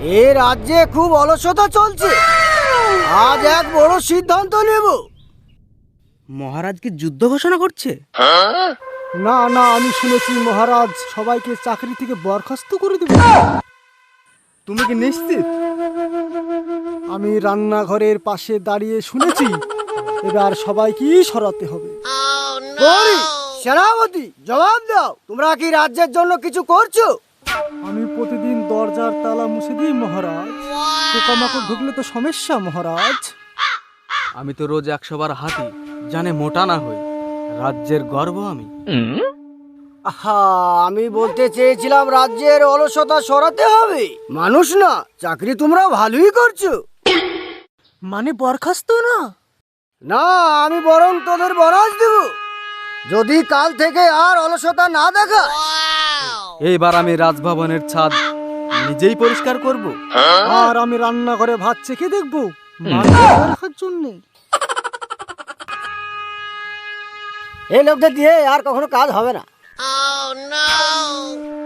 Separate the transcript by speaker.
Speaker 1: এ রাজ্যে খুব অলসতা চলছে। আজ এক বড় সিদ্ধান্ত নেব।
Speaker 2: মহারাজকে যুদ্ধ ঘোষণা করছে?
Speaker 3: না না, আমি শুনেছি মহারাজ সবাইকে চাকরি থেকে বরখাস্ত করে দেবে।
Speaker 2: তুমি কি নিশ্চিত?
Speaker 3: আমি রান্নাঘরের পাশে দাঁড়িয়ে শুনেছি। এবার সবাইকেই সরাতে হবে।
Speaker 1: গৌরী, সেনাপতি, জবাব দাও, তোমরা কি রাজ্যের জন্য কিছু করছো?
Speaker 3: আমি প্রতিদিন দরজার তালা মুছে দিই মহারাজ। পোকামাকড় ঢুকলে তো সমস্যা মহারাজ।
Speaker 2: আমি তো রোজ 100 বার হাঁটি, জানে মোটা না হই। রাজ্যের গর্ব আমি।
Speaker 1: আহা, আমি বলতে চেয়েছিলাম রাজ্যের অলসতা সরাতে হবে, মানুষ না। চাকরি তোমরা ভালোই করছো।
Speaker 3: মানে বরখাস্ত না?
Speaker 1: না, আমি বরং তোদের বরাজ দেব যদি কাল থেকে আর অলসতা না দেখা।
Speaker 2: এইবার আমি রাজভবনের ছাদ নিজেই পরিষ্কার করব।
Speaker 3: আর আমি রান্নাঘরে ভাত চেখে দেখবো মান বজায় রাখার জন্য।
Speaker 1: এই লোকদের দিয়ে আর কখনো কাজ হবে না।